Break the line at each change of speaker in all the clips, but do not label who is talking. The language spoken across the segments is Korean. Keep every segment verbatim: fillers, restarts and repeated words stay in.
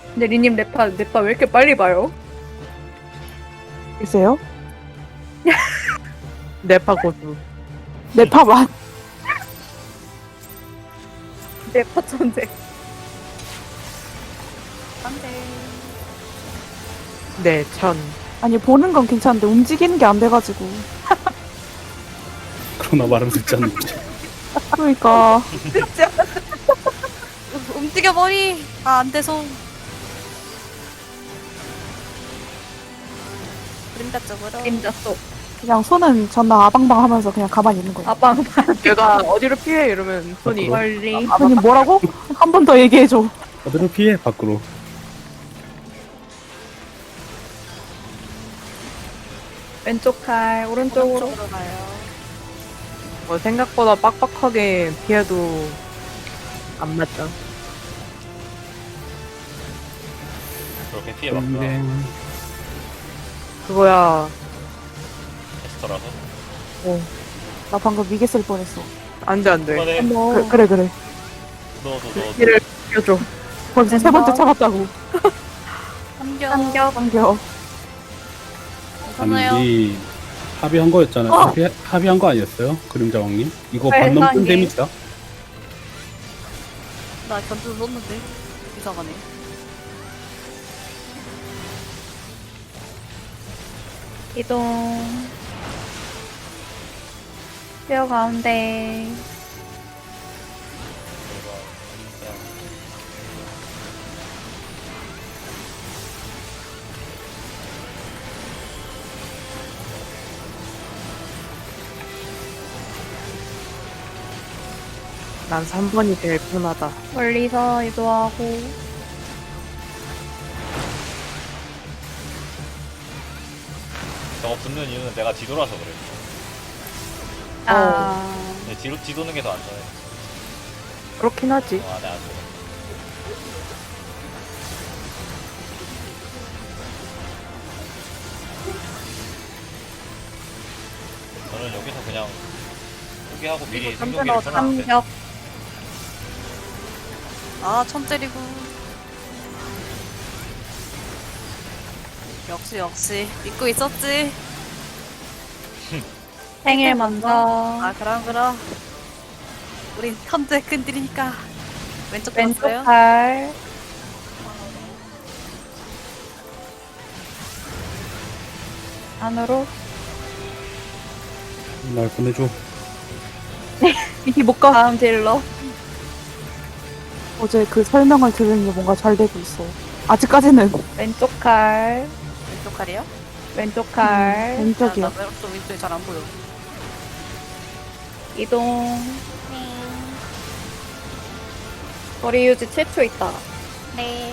근데 리님 랩파 랩파 왜 이렇게 빨리 봐요?
글쎄요?
네파 고수.
네파만.
랩파 천재.
안돼.
네, 천.
아니, 보는 건 괜찮은데 움직이는 게 안 돼가지고.
그러나 말은 듣지 않는지.
그러니까.
움직여 머리. 아 안 돼서. 그림자 쪽으로.
임자 속.
그냥 손은 전나 아방방 하면서 그냥 가만히 있는 거예요.
아빵
걔가 어디로 피해? 이러면 손이.
멀리.
아니, 뭐라고? 한 번 더 얘기해줘.
어디로 피해? 밖으로.
왼쪽 칼 오른쪽으로.
오른쪽으로 가요.
뭐 생각보다 빡빡하게 피해도 안 맞죠.
그렇게 피해봤구나.
땡.
그거야.
에스터라서.
나 방금 미개 쓸 뻔했어.
안 돼, 안 돼.
이번에
뭐
그, 그래, 그래.
너도 너.
피를 피워줘.
벌써 세 번째 참았다고.
삼겨.
삼겹.
넘겨.
괜찮아요.
아니, 합의한 거였잖아요.
어!
합의, 합의한 거 아니었어요? 그림자 왕님? 이거
네,
반 넘는
세상에.
데미지다?
나 견주 썼는데 이상하네.
이동. 뼈 가운데.
난 삼 번이 제일 편하다.
멀리서 이동하고.
저거 붙는 이유는 내가 뒤돌아서 그래.
아.
근데 뒤로 뒤도는 게 더 안전해.
그렇긴 하지.
어, 안해 안전해. 저는 여기서 그냥 포기하고 미리 생존기를 써놨는데.
삼겹.
아천 때리고. 역시 역시 믿고 있었지.
생일 먼저.
아 그럼 그럼. 우린 현재 끈들이니까. 왼쪽
왼쪽
봤어요?
팔. 안으로.
날 보내줘.
이게 못 가.
다음 딜러.
어제 그 설명을 들으니 뭔가 잘 되고 있어. 아직까지는
왼쪽 칼.
왼쪽 칼이요?
왼쪽 칼.
왼쪽이요.
아, 나 왼쪽 왼쪽이 잘 안 보여.
이동. 거리 유지 칠 초 있다.
네.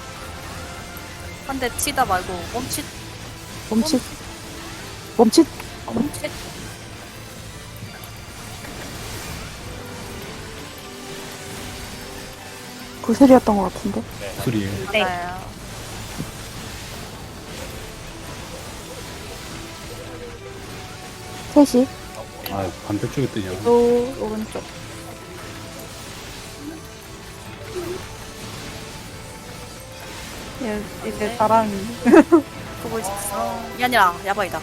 한 대 치다 말고 멈칫
멈칫. 멈칫.
멈칫.
구슬이었던 것 같은데.
네.
술이에요.
네.
맞아요.
셋이.
아, 반대쪽에 뜨냐.
또 오른쪽. 예, 이제 나랑
보고 있어. 이 아니라 야바이다.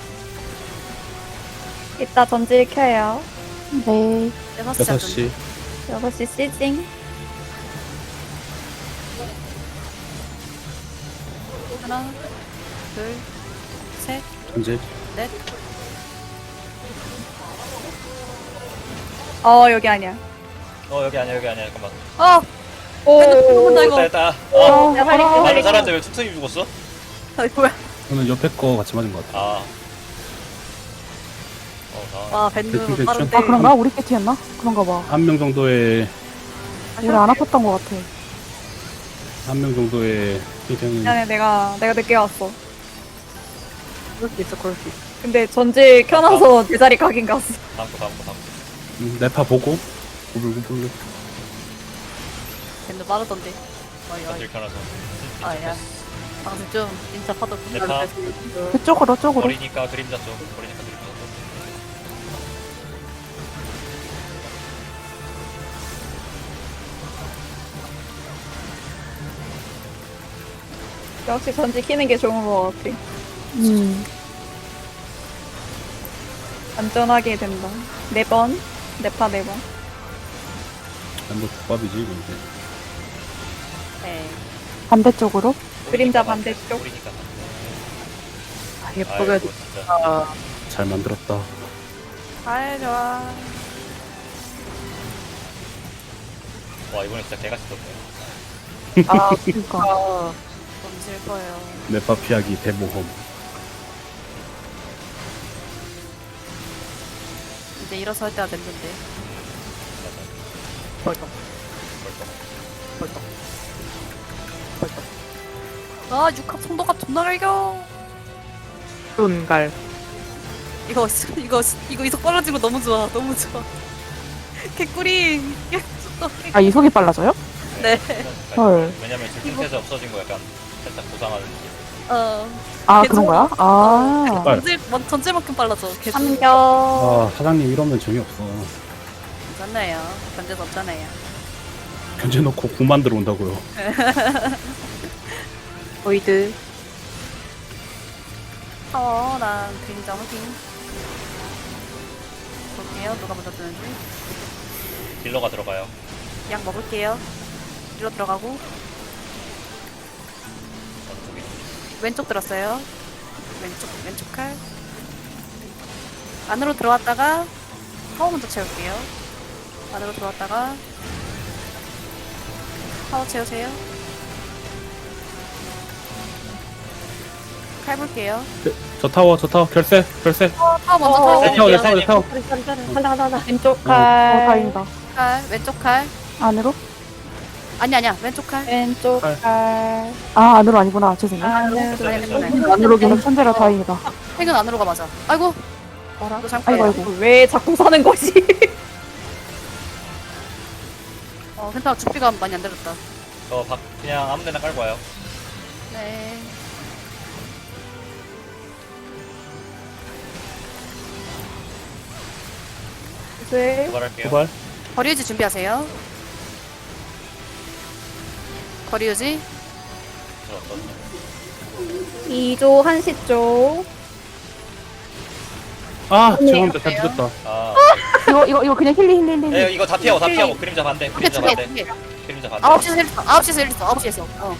이따 전질 켜요.
네.
여섯 시
여섯 시.
여섯 시 시징.
하나, 둘, 셋,
전제.
넷.
어 여기 아니야.
어 여기 아니야 여기 아니야 잠깐만.
어,
오.
죽는다 이거.
됐다 됐다. 어.
야 빨리
나는
빨리.
살았는데 왜 툭툭이 죽었어?
아, 뭐야?
저는 옆에 거 같이 맞은 것 같아.
아. 어 나.
와
대충,
밴드
대충.
빠른데.
아, 그런가? 우리 패티였나? 그런가 봐.
한 명 정도의,
우리 안 아팠던 것 같아.
한 명 정도의 희생은
미안해 내가 내가 늦게 왔어.
그럴 수 있어, 그럴 수 있어.
근데 전질 켜놔서 내 자리 가긴 갔어.
다음 거 다음 거 다음 거.
음, 네파 보고 구불구불.
밴드 빠르던데. 어이 어이.
전질 켜놔서.
아야. 방금 좀 진짜 파도
네파.
그쪽으로, 쪽으로.
버리니까 그림자 쪽. 버리니까 그림자 쪽.
역시 전지 키는 게 좋은 것 같아.
음.
안전하게 된다. 네 번. 네파 네 번.
뭐 국밥이지 이거 이제.
네.
반대쪽으로.
그림자 반대쪽.
우리니까
아,
아이고
예쁘게
진짜
아,
잘 만들었다.
잘 좋아.
와 이번에 진짜 개같이 떴네.
아,
그러니까.
아,
너무 슬퍼요.
네파 피하기 대모험.
이제 일어설 때가 됐는데.
벌떡,
벌떡.
벌떡, 벌떡.
아, 육합 송도갑 존나 갈겨.
쏜갈.
이거, 이거, 이거 이속 빨라진 거 너무 좋아. 너무 좋아. 개꿀이.
아, 이속이 빨라져요?
네.
헐.
왜냐면 질풍태세 없어진 거 약간 살짝 고상하는 느낌.
어.
아,
계속-
그런 거야? 아.
빨.
전질, 뭐, 전질만큼 빨라져. 계속.
삼겹.
아 사장님 이러면 재미없어.
괜찮아요. 견제도 없잖아요.
견제 놓고 구 만들어 온다고요.
보이드.
어, 난 그림자 확인. 볼게요. 누가 먼저 뜨는지.
딜러가 들어가요.
약 먹을게요. 뒤로 들어가고.
어느 쪽이?
왼쪽 들었어요. 왼쪽, 왼쪽 칼. 안으로 들어왔다가 파워 먼저 채울게요. 안으로 들어왔다가 파워 채우세요. 칼 볼게요.
저 타워 저 타워 결세 결세.
어, 파워 먼저
어,
타워
내 타워 내
볼게요.
타워 내 타워.
왼쪽
어,
칼.
다행이다.
칼, 왼쪽 칼.
안으로?
아니, 아니야. 왼쪽 칼.
왼쪽
칼.
칼.
아, 안으로 아니구나. 죄송해요.
안으로.
네, 네, 네.
안으로기는 천재라 다행이다.
팽은 안으로가 맞아. 아이고.
뭐라?
이거 잠깐.
아이고, 아이고.
왜 자꾸 사는 거지?
어, 괜찮아. 죽비가 많이 안 들었다.
저 박, 그냥 아무데나 깔고 와요.
네.
네.
도발할게요.
도발.
거리 유지 준비하세요. 거리 유지.
저 어떤?
이 조 한 시 쪽.
아
네.
죄송합니다 잘 늦었다.
아,
이거, 이거, 이거 그냥 힐리, 힐리, 힐리.
에 이거 다 피하고 다 피하고 그림자 반대.
두 개,
그림자
두 개,
반대.
두 개.
그림자 반대.
아홉 시에서 일 있어. 아홉 시에서 일 있어. 아홉 시에서. 어.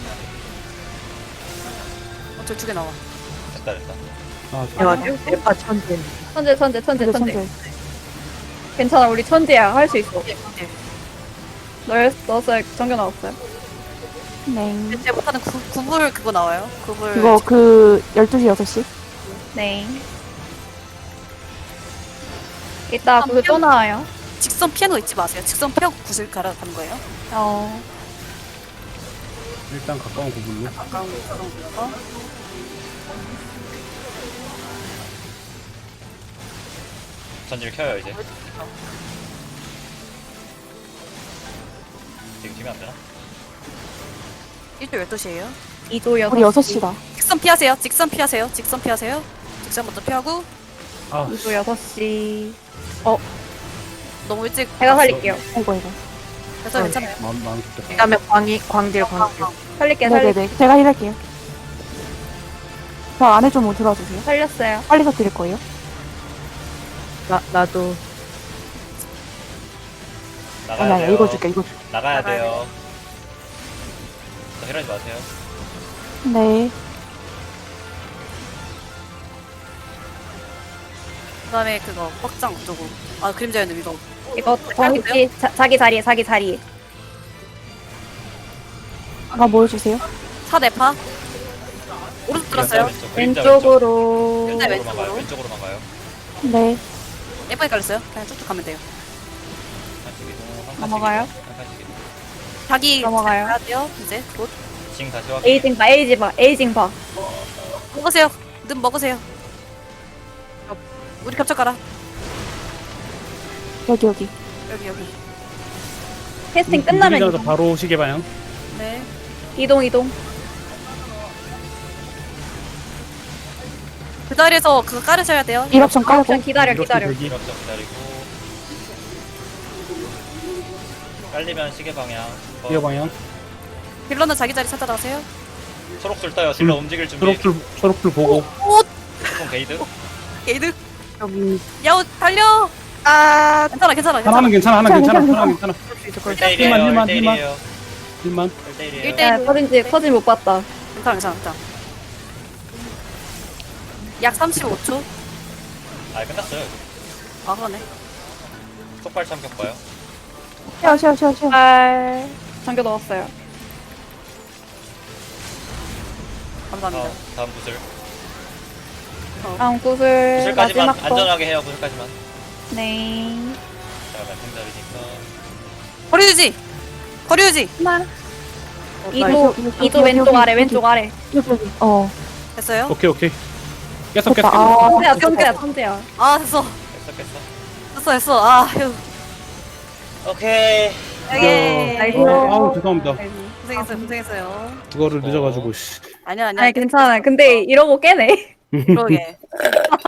어, 저 두 개 나와.
됐다 됐다.
아
내가
죄송합니다.
대파 천재.
천재 천재 천재
천재,
천재.
천재.
괜찮아 우리 천재야 할 수 있어.
네, 네.
널 넣었어요. 정겨 나왔어요.
네.
제가 못하는 구, 구불 그거 나와요. 구불.
그거 그 열두 시, 여섯 시?
네. 이따 그거 또 나와요.
직선 피하는 거 잊지 마세요. 직선 피하고 구슬 갈아 가는 거예요.
어.
일단 가까운 구불로.
가까운 거. 어?
전지를 켜요 이제. 지금 지면 안 되나?
일조 열두 시에요.
이 조 여섯
우리 여섯 시다.
직선 피하세요. 직선 피하세요. 직선 피하세요. 직선 먼저 피하고
아
이 조 여섯 시.
너무 일찍
제가 살릴게요.
아이고, 아이고.
그래서 괜찮아요.
마음 마음 좋겠다.
그다음에 광이 광딜 광딜.
살릴게 살릴게.
네네네. 제가 힐할게요. 저 안에 좀 들어와주세요.
살렸어요.
빨리 터뜨릴 거예요.
나 나도
나가야
아니, 아니,
돼요.
이거 줄게, 이거 줄게.
나가야
나가야
돼요. 저 힐하지 마세요.
네.
그다음에 그거 확장 어쩌고. 아 그림자였네 이거.
이거 정지 자기 자리에 자기 자리에.
아까 뭐 해주세요?
사 대파. 오른쪽 들었어요.
왼쪽, 그림자
왼쪽으로.
그림자
왼쪽으로만 가요.
왼쪽으로.
왼쪽으로만 가요.
네.
예쁘게 깔렸어요. 그냥 쭉쭉 가면 돼요.
한칸씩 이동. 한 칸씩
넘어가요?
이동, 한 칸씩 이동.
자기
넘어가요.
가야 돼요. 이제 곧
징 다시 확인.
에이징 봐 에이징 봐 에이징 봐.
먹으세요. 는 먹으세요. 어, 우리 겹쳐 가라.
여기, 여기.
여기 여기.
캐스팅 끝나면
서
이동.
바로 시계 방향.
네.
이동 이동.
그 자리에서 그거 깔으셔야 돼요.
일옵션 깔고.
옵션 기다려
이렇게
기다려.
들기.
이렇게 기다리고. 깔리면 시계 방향. 어,
시계 방향.
빌런은 자기 자리 찾아가세요.
초록줄 떠요. 딜러 움직일 준비.
초록줄 초록줄 보고.
조금 게이드.
게이드.
여기
야우 달려. 아 괜찮아 괜찮아
하나는
괜찮아.
괜찮아 하나는 괜찮아
괜찮아,
하나는 괜찮아.
일 대 일이에요.
힐만,
일 대
힐만,
일이에요.
일만.
일 대 일이에요.
일 대
야, 커진지, 커진 못 봤다.
괜찮아 괜찮아 괜찮아. 약 삼십오 초.
아 끝났어요.
아 그러네.
속발 참격 봐요.
쉬어 쉬어 쉬어 쉬어.
발. 잠겨 넣었어요.
감사합니다.
다음 다음 구슬.
다음 구슬.
구슬까지만
마지막 거.
안전하게 해요. 구슬까지만.
네.
자 말씀드리니까.
거리 유지. 거리 유지.
하나.
어,
이도,
여기, 여기,
이도
여기,
왼쪽
여기,
아래,
여기.
왼쪽 아래.
여기 여기. 어.
됐어요?
오케이 오케이. 계속
됐다.
계속.
아.
천재야, 천재야, 천재야.
아 됐어.
됐어 됐어.
됐어 됐어. 아 휴.
오케이.
예.
나이스.
아, 아우 죄송합니다.
고생했어요 고생했어요.
그거를 늦어가지고 씨.
아니야 아니야.
아니, 괜찮아. 근데 이러고 깨네.
그러게.